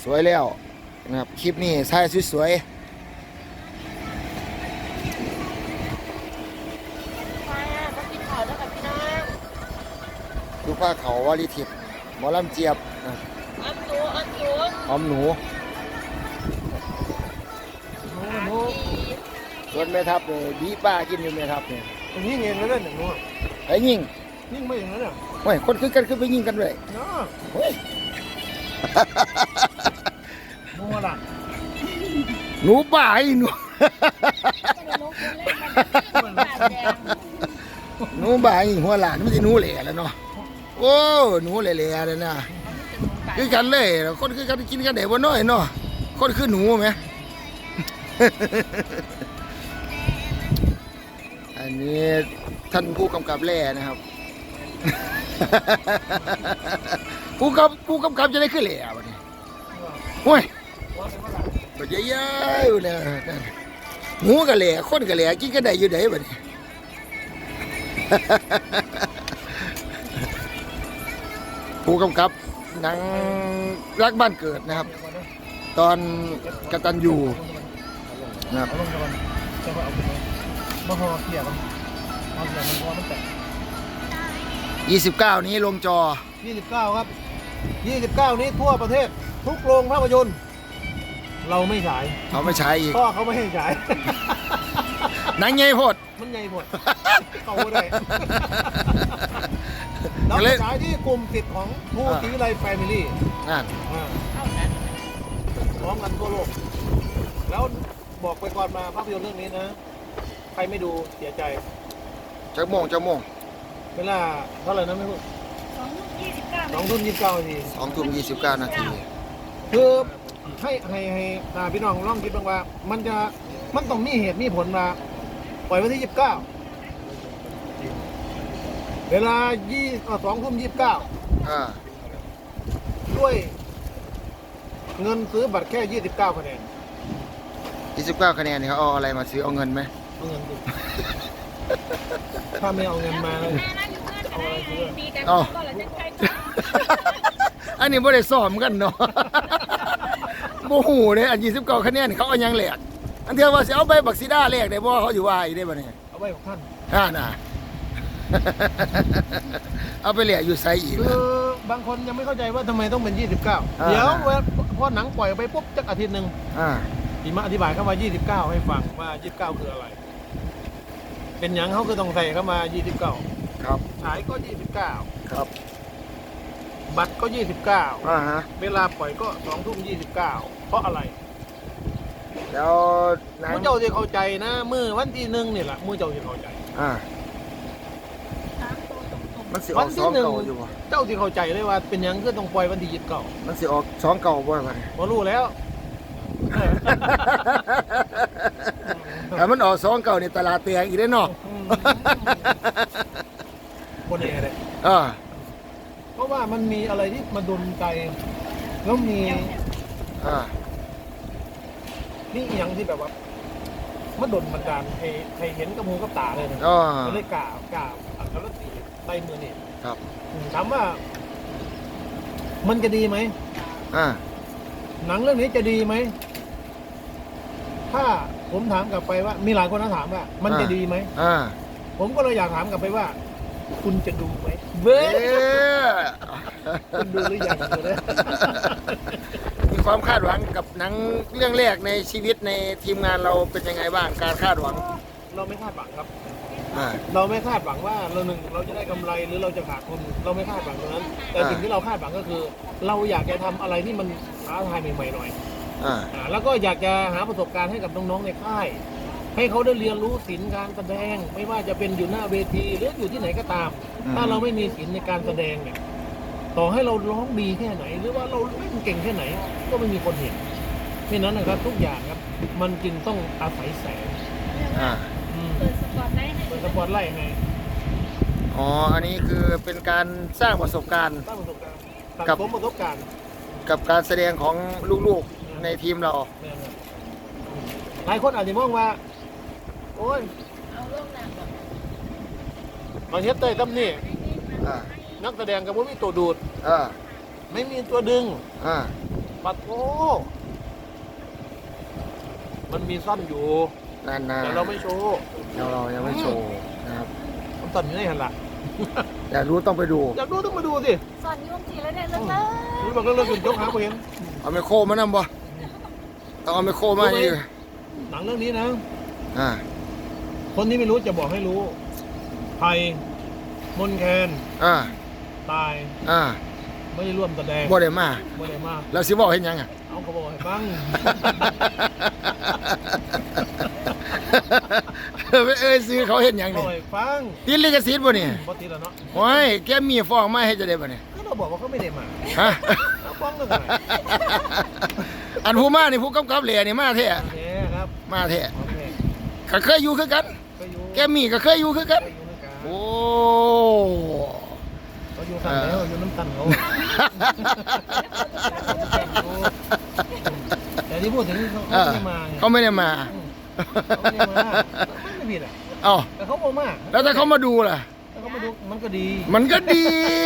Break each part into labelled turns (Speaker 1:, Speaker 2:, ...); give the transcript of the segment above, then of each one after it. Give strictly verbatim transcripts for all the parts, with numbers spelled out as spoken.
Speaker 1: สวยแล้วนะครับคลิปนี้ถ่ายสวยๆดูผ้าเขาวาลิทิพย์หมอลำเจี๊ยบนะอมหนูส่วนแม่ทัพเลยบีป้ากินอยู่แม่ทัพเนี่ย
Speaker 2: อย่างนี้เงินแล้วเล่นอย่างนู้น
Speaker 1: ไอ้ยิง
Speaker 2: ยิ่งไม่อย่างนั้นเนี่ย
Speaker 1: โอ้ยคนคือกันคือไปยิงกันเลย
Speaker 2: เนาะ
Speaker 1: เฮ้ย
Speaker 2: นัวล่ะ
Speaker 1: หนูป่าไอ้หนูหนูป่าไอ้หัวหลานไม่ใช่หนูเหล่แล้วเนาะโอ้หนูเหล่ๆเลยนะคือกันเลยคนคือกันกินกันเด็กวันน้อยเนาะคนคือหนูไหม อันนี้ท่านผู้กำกับแร่นะครับ ผู้กำผู้กำกับจะได้ขึ้นแร่วันนี้โอ้ยปัจจัยยายเนี่ยหมูกะแร่คนกะแร่กินกันได้อยู่ไหนบัดนี้ ผู้กำกับหนังรักบ้านเกิดนะครับ ตอนกตัญญูนะครับ
Speaker 2: เอาลงก่อนจะเอาไปมาพอเกี่ยวกันเอาเกี่ยวมันพอมันแตก
Speaker 1: ยี่สิบเก้านี้ลงจอ
Speaker 2: ยี่สิบเก้าครับยี่สิบเก้านี้ทั่วประเทศทุกโรงภาพยนตร์เราไม่ฉาย
Speaker 1: เขาไม่ใช้อีก
Speaker 2: พ่อเขาไม่ให้ฉาย
Speaker 1: หนังใหญ่โพด
Speaker 2: มันใหญ่หมดเขาไม่ได้เราจะฉายที่กลุ่มสิทธิ์ของผู้ศรีวิไลแฟมิลี่
Speaker 1: นั่น
Speaker 2: พร้อมกันทั่วโลกแล้วบอกไปก่อนมาภาพยนตร์เรื่องนี้นะใครไม่ดูเสียใจ
Speaker 1: เจ้าโมงเจ้าโมง
Speaker 2: เวลาเท่าไหร่นะไม่รู้
Speaker 3: สองทุ่มยี่สิบเก้า
Speaker 2: สองทุ่มยี่สิบเก้านาที
Speaker 1: สองทุ่มยี่สิบเก้านาที
Speaker 2: คือให้ให้ให้ตาพี่น้องลองคิดบ้างว่า มันจะมันต้องมีเหตุมีผลมาปล่อยวันที่ยี่สิบเก้าเวลายี่สองทุ่มยี่สิบเก้า
Speaker 1: อ่า
Speaker 2: ด้วยเงินซื้อบัตรแค่ยี่สิบเก้าคะแนน
Speaker 1: ยี่สิบเก้าคะแนนนี่เขาเอาอะไรมาซื้อเอาเงินไหม
Speaker 2: เอาเงินดิถ้าไม่เอาเงินมาเลยเอาอะไรซื้อ
Speaker 3: ดีกันก็เลยจะใช้
Speaker 1: อันนี้ไม่ได้ซ้อมกันเนาะ โมโหเลยอันยี่สิบเก้าคะแนนเขาเอายังแหลกอันเทียว่าจะเอาใบบักซีด้าแหลกได้บ่เขาอยู่ว่าอีได้บ่เนี่ย
Speaker 2: เอาไว้ของท่าน
Speaker 1: อ่าน่ะ เอาไปแหลกอยู่ไซอีก
Speaker 2: คื
Speaker 1: นะ
Speaker 2: อบางคนยังไม่เข้าใจว่าทำไมต้องเป็นยี่สิบเก้า
Speaker 1: อ่า
Speaker 2: เดี๋ยวพอหนังปล่อยไปปุ๊บจักอาทิตย์หนึ่ง
Speaker 1: อ่า
Speaker 2: พี่มาอธิบายเข้ามายี่สิบเก้าให้ฟังว่ายี่สิบเก้าคืออะไร เป็นหยังเขาคือต้องใส่เข้ามายี่สิบเก้า
Speaker 1: ครับ
Speaker 2: ฉายก็ยี่สิบเก้า
Speaker 1: ครับ
Speaker 2: บัตรก็ยี่สิบเก้า
Speaker 1: อ่าฮะ
Speaker 2: เวลาปล่อยก็สองทุ่มยี่สิบเก้าเพราะอะไร
Speaker 1: แล้วหนัง
Speaker 2: มือเจ้าจะเข้าใจนะมือวันที่หนึ่งนี่แหละมือเจ้าจะเข้าใจ
Speaker 1: อ่า
Speaker 3: สามตัวตรง
Speaker 1: มันสิอ
Speaker 2: วั
Speaker 1: อก
Speaker 2: น
Speaker 1: ส
Speaker 2: ที่
Speaker 1: อง
Speaker 2: หนึ่ง
Speaker 1: เก่าอยู่บ่
Speaker 2: เจ้าจะเข้าใจเลยว่าเป็นหยังคือต้องปล่อยวันที่ยี่สิบเก้า
Speaker 1: มันสิออกสองเก่าบ่ล่ะ
Speaker 2: พอรู้แล้ว
Speaker 1: แต่มันออกสองเก่าในตลาดแตกอีกได้เนาะ
Speaker 2: คนเองเลย
Speaker 1: อ่า
Speaker 2: เพราะว่ามันมีอะไรที่มาดลใจแล้วมี
Speaker 1: อ่า
Speaker 2: นี่อหย่างที่แบบว่ามันดลบันดาลให้ให้เห็นกับหูกับตาเลยนะ
Speaker 1: อ่า
Speaker 2: ก็เลยกล่าวกล่าวอัครศรีใต้มือนี่
Speaker 1: ครับ
Speaker 2: อืมถามว่า มันจะดีไหม
Speaker 1: อ่า
Speaker 2: หนังเรื่องนี้จะดีไหมถ้าผมถามกลับไปว่า มีหลายคนนะถามว่า มันจะดีไหม
Speaker 1: อ่า
Speaker 2: ผมก็เลยอยากถามกลับไปว่า คุณจะดูไหมเบ้
Speaker 1: เอ๊ะ
Speaker 2: คุณดูหรือยังเลย
Speaker 1: มีความคาดหวังกับหนังเรื่องแรกในชีวิตในทีมงานเราเป็นยังไงบ้างการคาดหวัง
Speaker 2: เราไม่คาดหวังครับ
Speaker 1: อ่า
Speaker 2: เราไม่คาดหวังว่าเราหนึ่งเราจะได้กำไรหรือเราจะขาดทุนเราไม่คาดหวังตรงนั้น แต่
Speaker 1: อ่า
Speaker 2: สิ่งที่เราคาดหวังก็คือ เราอยากจะทำอะไรที่มันท้าทายใหม่ๆหน่อย
Speaker 1: อ่า
Speaker 2: อ่าแล้วก็อยากจะหาประสบการณ์ให้กับน้องๆในค่าย ให้เขาได้เรียนรู้ศิลป์การแสดง ไม่ว่าจะเป็นอยู่หน้าเวทีหรืออยู่ที่ไหนก็ตาม ถ้าเราไม่มีศิลป์ในการแสดงเนี่ยต่อให้เราร้องดีแค่ไหน หรือว่าเราเล่นเก่งแค่ไหน ก็ไม่มีคนเห็นเพราะนั้นนะครับทุกอย่างครับ มันจึงต้องอาศัยแสง
Speaker 1: อ่า
Speaker 2: อืม
Speaker 3: เปิดสปอตไลท์ให้
Speaker 2: เปิดสปอตไลท์ไง
Speaker 1: อ๋ออันนี้คือเป็นการสร้างประสบการณ์
Speaker 2: สร้างประสบการณ์สัง
Speaker 1: กับ
Speaker 2: สมประสบการณ์
Speaker 1: กับการแสดงของลูกๆในทีมเรา
Speaker 2: เนี่ยนะหลายคนอาจจะมองว่า โอ้ย
Speaker 3: เอาลงหนังก่อน
Speaker 2: มาเฮ็ดเต้ยตั้มนี่
Speaker 1: อ่า
Speaker 2: นักแสดงกับว่ามีตัวดูด
Speaker 1: อ่า
Speaker 2: ไม่มีตัวดึง
Speaker 1: อ่า
Speaker 2: ปัดโอ้มันมีสั้นอยู่
Speaker 1: นั่นนะ
Speaker 2: แต่เราไม่โชว์
Speaker 1: เราเรายังไม่โชว์นะครับ
Speaker 2: มันสั้นอยู่ในหันหลัง
Speaker 1: อยากรู้ต้องไปดู
Speaker 2: อยากดูต้องมาดูสิ
Speaker 3: สอนยุ่งทีแล้วเนี่ยเลิกเล
Speaker 2: รู้บอกเลิกๆจนยกหางไปเห็น
Speaker 1: เอาไมโครมานำบ่ต้องเอาไมโครมาอีก
Speaker 2: หนังเรื่องนี้นะ
Speaker 1: อ่า
Speaker 2: คนที่ไม่รู้จะบอกให้รู้ภัยมนแคน
Speaker 1: อ่า
Speaker 2: ตาย
Speaker 1: อ่า
Speaker 2: ไม่ได้ร่วมแสดง
Speaker 1: บ่ได้มา
Speaker 2: ไม่ได้มา
Speaker 1: แล้วสิบอกเห็นยังอ่ะ
Speaker 2: เอาเขาบอกให้ฟัง
Speaker 1: เออเอ้ยซื้อเขาเห็นยัง
Speaker 2: เขา
Speaker 1: นี่
Speaker 2: ให้ฟัง
Speaker 1: ติดลิขสิทธิ์บ่นี่
Speaker 2: ปกติแล้วเนาะ
Speaker 1: โอ้ยแกมีฟ้องมาให้จะได้บ่นี่
Speaker 2: ก็เราบอกว่าเขาไม่ได้มา
Speaker 1: ฮะ
Speaker 2: เอาฟังกันหน่อย
Speaker 1: อันผู้มานี่ผู้กำกับเหล่นี่มาแท้
Speaker 2: โอเคครับ
Speaker 1: มาแท้
Speaker 2: โอเค
Speaker 1: ก็เคยอยู่คือกัน
Speaker 2: ก็อยู่
Speaker 1: แกมีก็เคยอยู่คือกัน
Speaker 2: ก็อยู่ด้วยกัน
Speaker 1: โอ้
Speaker 2: เขาอยู่กันแล้วอยู่น้ำตันเขาแต่ที่พูดถึงเขา
Speaker 1: เออ
Speaker 2: ไม่ได้มาไง
Speaker 1: เขาไม่ได้มา
Speaker 2: เขาไม่ได้มาไม่ผิดอ่ะ
Speaker 1: เอ้า
Speaker 2: แต่เขาบอกมา
Speaker 1: แล้วถ้าเขามาดูล่ะ
Speaker 2: แต่เขามาดูมันก็ดี
Speaker 1: มันก็ดี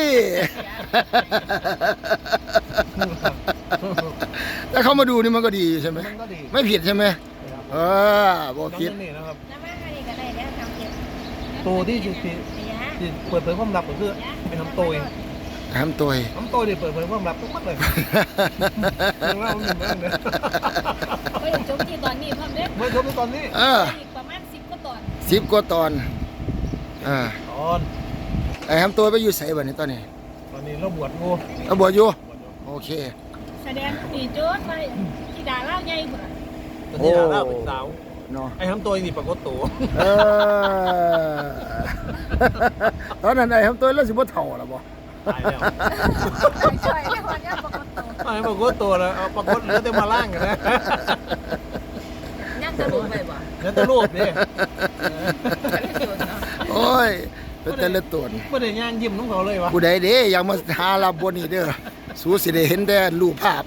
Speaker 1: ถ้าเขามาดูนี่มันก็ดีใช่ไหม
Speaker 2: มันก็ดี
Speaker 1: ไม่ผิดใช่ไหม
Speaker 2: นะครับ
Speaker 1: เออบ่
Speaker 2: น้อง
Speaker 1: ผิด
Speaker 2: เรื่องนี้นะครับ
Speaker 3: น้ำมันอะไรกันเลยเนี่ยทำเก็บ
Speaker 2: ตัวที่ที่ที่ที่เปิดเผยความลับก็คือเป็นน้ำโตย
Speaker 1: ทำตัว
Speaker 2: น้ำโตยเนี่ยเปิดเผยความลับทุกมัดเลยเรื่องเล่ามันเป็นเรื่องเนี่ย
Speaker 3: ก็ยังจมที่ตอนนี้พร้อมเด้
Speaker 2: เมื่อชมตอนนี้
Speaker 1: เออ
Speaker 3: อีกประมาณสิบก็ตอน
Speaker 1: สิบกว่าตอนอ่า
Speaker 2: ตอน
Speaker 1: ไอ้ทำตัวไปอยู่ใส่บ่นี่ตอนนี้
Speaker 2: ตอนนี้เราบวชงู
Speaker 1: เอาบวชอยู่โอเค
Speaker 3: แสดงปีโจ้ไปที่ดาเล่าใหญ่หมด
Speaker 2: ตอนนี้ดาราเป็นสาว
Speaker 1: เนาะ
Speaker 2: ไอ้ทำตัวนี่ปรากฏตัว
Speaker 1: เออ ตอนนั้นไอ้ทำตัวแล้วสิบ่เฒ่าล่ะบ่
Speaker 2: ตายแล้ว
Speaker 3: ช่วยให้คนยากปกติ
Speaker 2: ไอ้ปรากฏตัวแล้วเอาปรากฏเหลือแต่มาล่างกันนะ
Speaker 3: ยังจะลงไปบ่
Speaker 2: เหลือแต่รูปดิ
Speaker 1: โอ้ยเป็นแต่ละตัว
Speaker 2: ไม่ได้ย่างยิ้มน้องเขาเลยวะ
Speaker 1: ผู้ใดเด้อยากมาหารับบนนี่เด้อสู้สิได้เห็นแต่รูปภาพ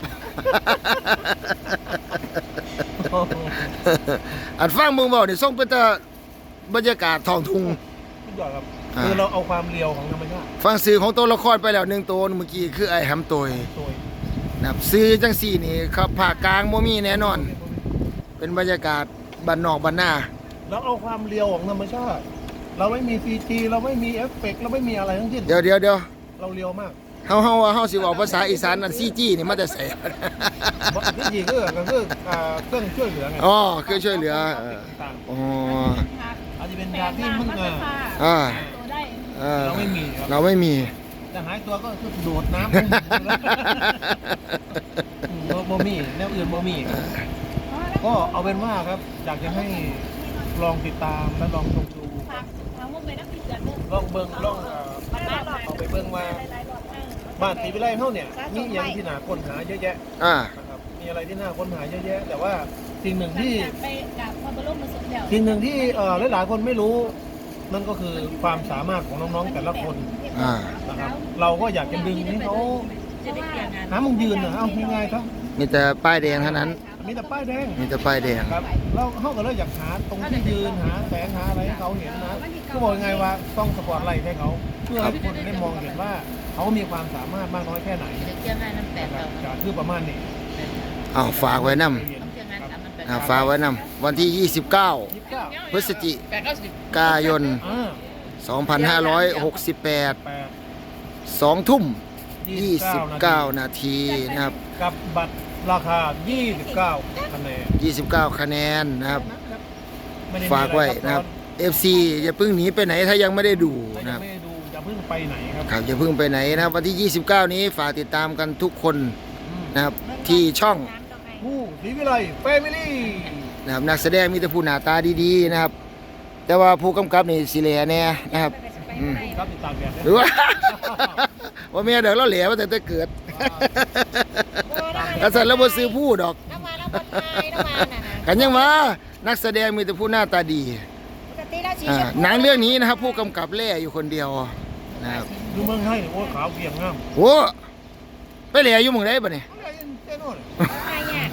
Speaker 1: อันฟังมึงเว้านี่ส่งเป็นแต่บรรยากาศท้องทุ่ง
Speaker 2: สุดยอดครับคือเราเอาความเรียวของธรรมชาติ
Speaker 1: ฟังสื่อของตัวละครไปแล้วหนึ่งตัวเมื่อกี้คือไอ้หำตัว
Speaker 2: ตัว
Speaker 1: นะครับซื้อจังสี่นี่ครับภาคกลางบ่มีแน่นอน เป็นบรรยากาศบ้านนอกบ้านนา
Speaker 2: เราเอาความเรียวของธรรมชาติ เราไม่มีซีจีเราไม่มีเอฟเฟกต์เราไม่มีอะไรทั้งสิ้น
Speaker 1: เดี๋ยวเดี๋ยวเดี๋ยว
Speaker 2: เราเรียวมาก
Speaker 1: เฮาเฮาว่าเฮาสิเว้าภาษาอีสานอันซีจี้นี่มาแต่ไส
Speaker 2: ที่จริงก็ก็คืออ่าเครื่องช่วยเหลือไง
Speaker 1: อ๋อคือช่วยเหลือเออ
Speaker 2: ต่าง
Speaker 1: อ๋อ
Speaker 2: ๆอาจจะเป็นยาที่มึงอ่ะ
Speaker 1: อ่า
Speaker 3: ตัวได้
Speaker 1: อ่า
Speaker 2: เราไม่มีครับ
Speaker 1: เราไม่มี
Speaker 2: จะหายตัวก็คือโดดน้ำโมโมมี่แนวอื่นโมมี่ก็เอาเป็นว่าครับอยากจะให้ลองติดตามและลองชมดู
Speaker 3: ฝากเอามุมไปนักพิจารณา
Speaker 2: ลองเบิ่งลองเอ่อ
Speaker 3: บ้านหลอด
Speaker 2: เอาไปเบิ่งว่าบ้านตีวิไลเท่าเนี่ยมีอย่างที่น่าค้นหาเยอะแยะ
Speaker 1: อ่า
Speaker 2: นะครับมีอะไรที่น่าค้นหาเยอะแยะ แต่ว่าสิ่งหนึ่งที่
Speaker 3: ไปกับพระบรมมาสมเด็จ
Speaker 2: สิ่งหนึ่งที่เอ่อหลายๆคนไม่รู้ นั่นก็คือความสามารถของน้องๆแต่ละคน
Speaker 1: อ่า
Speaker 2: นะครับเราก็อยากจะดึงให้เขาหามุมยืนนะเอาง่ายๆครับ
Speaker 1: มีแต่ป้ายแดงเท่านั้น
Speaker 2: มีแต่ป้ายแดง
Speaker 1: มีแต่ป้ายแดง
Speaker 2: ครับเราเขาก็เลยอยากหาตรงที่ยืนหาแสงหาอะไรให้เขาเห็นนะก็บอกยังไงว่าต้องสปอร์ตไลท์ให้เขาเพื่อให้ทุกคนได้มองเห็นว่าเขามีความสามารถมากน้อยแค่ไหน
Speaker 3: เจ้าหน้าน้ำแตก
Speaker 2: นะค
Speaker 3: เรา
Speaker 2: รับจะคือประมาณนี้
Speaker 1: อ้าวฝากไว้นำ
Speaker 3: ต้องเจ้าหน้าสามัญ
Speaker 1: อ่าฝากไว้นำวันที่ยี่สิบเก้า
Speaker 2: ยี่สิบเก้า
Speaker 1: พฤศจิ
Speaker 3: แปดเก้าสิบ
Speaker 1: กายน
Speaker 2: อ่า
Speaker 1: สองพันห้าร้อยหกสิบแปด
Speaker 2: แปด
Speaker 1: สองทุ่ม
Speaker 2: ยี่
Speaker 1: ยี่
Speaker 2: สิ
Speaker 1: สิ
Speaker 2: บบ
Speaker 1: เก้า
Speaker 2: เก้า
Speaker 1: นาทีนะครับ
Speaker 2: กับบัตรราคายี่สิบเก้าคะแนน
Speaker 1: ยี่สิบเก้าคะแนนนะครับ
Speaker 2: ไม่ได้มี
Speaker 1: ฝากไว้
Speaker 2: อร
Speaker 1: นะครับ เอฟ ซี อย่าเพิ่งหนีไปไหนถ้ายังไม่ได้ดู
Speaker 2: ถ้า
Speaker 1: นะ
Speaker 2: ยั
Speaker 1: ค
Speaker 2: ง
Speaker 1: รับ
Speaker 2: ไม่ได้ดูอย่าเพิ่งไปไหนครับ
Speaker 1: ครับอย่าเพิ่งไปไหนนะครับวันที่ยี่สิบเก้านี้ฝากติดตามกันทุกคน
Speaker 2: อืม
Speaker 1: นะครับที่ช่อง
Speaker 2: ผู้ศรีวิไลแฟมิลี่
Speaker 1: นะครับนักแสดงมีแต่ผู้หน้าตาดีๆนะครับ แต่ว่าผู้กำกับนี่สิเหลแน่นะครับอืม
Speaker 2: ครับติดตามแบบ
Speaker 1: หรือว่า ว่าแม่เดี๋ยวเราเหลว่าแต่แต่เกิดกษัตริย์แล้วบ่ซื้อผู้ดอก
Speaker 3: น้ำมาน้ำมาไทยน้ำมาน่ะนะ
Speaker 1: กันยังว่านักแสดงมีแต่ผู้หน้าตาดี
Speaker 3: ปกติแล้วชี
Speaker 1: อ่า
Speaker 3: ชมพู
Speaker 1: หนังเรื่องนี้นะครับ ผู้กำกับแล่อยู่คนเดียวนะครับ
Speaker 2: ดูเมืองไทยเนี่ยโอ้ขาวเกรียงงาม
Speaker 1: โอ้ไปเหล่อยู่หมึงได้ปะเนี่ย
Speaker 2: อะไรเจ้าโน่น
Speaker 3: ใครเนี่ย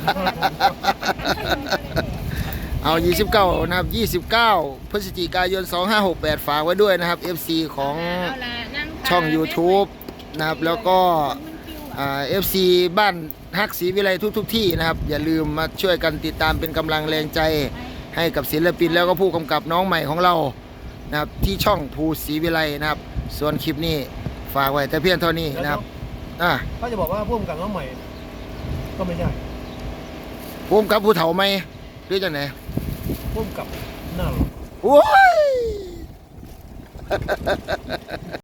Speaker 1: เอายี่สิบเก้านะครับยี่สิบเก้าพฤศจิกายนสองห้าหกแปดฝากไว้ด้วยนะครับ เอฟ ซี ของ
Speaker 3: เอาล่ะนั่ง
Speaker 1: ช่อง YouTube นะครับแล้วก็อ่า เอฟ ซี บ้านฮักศรีวิไลทุกๆทที่นะครับอย่าลืมมาช่วยกันติดตามเป็นกำลังแรงใจให้กับศิลปินแล้วก็ผู้กำกับน้องใหม่ของเรานะครับที่ช่องภูศรีวิไลนะครับส่วนคลิปนี้ฝากไว้แต่เพียงเท่านี้นะครับอ่ะ
Speaker 2: ถ้าจะบอกว่าพ่วงกับน้องใหม่ ก็ไม่ใช่
Speaker 1: ผู้กำกับผู้เฒ่าไหมหรือจังไหน
Speaker 2: พ่วงกับหน้าหรอ
Speaker 1: โอ้ย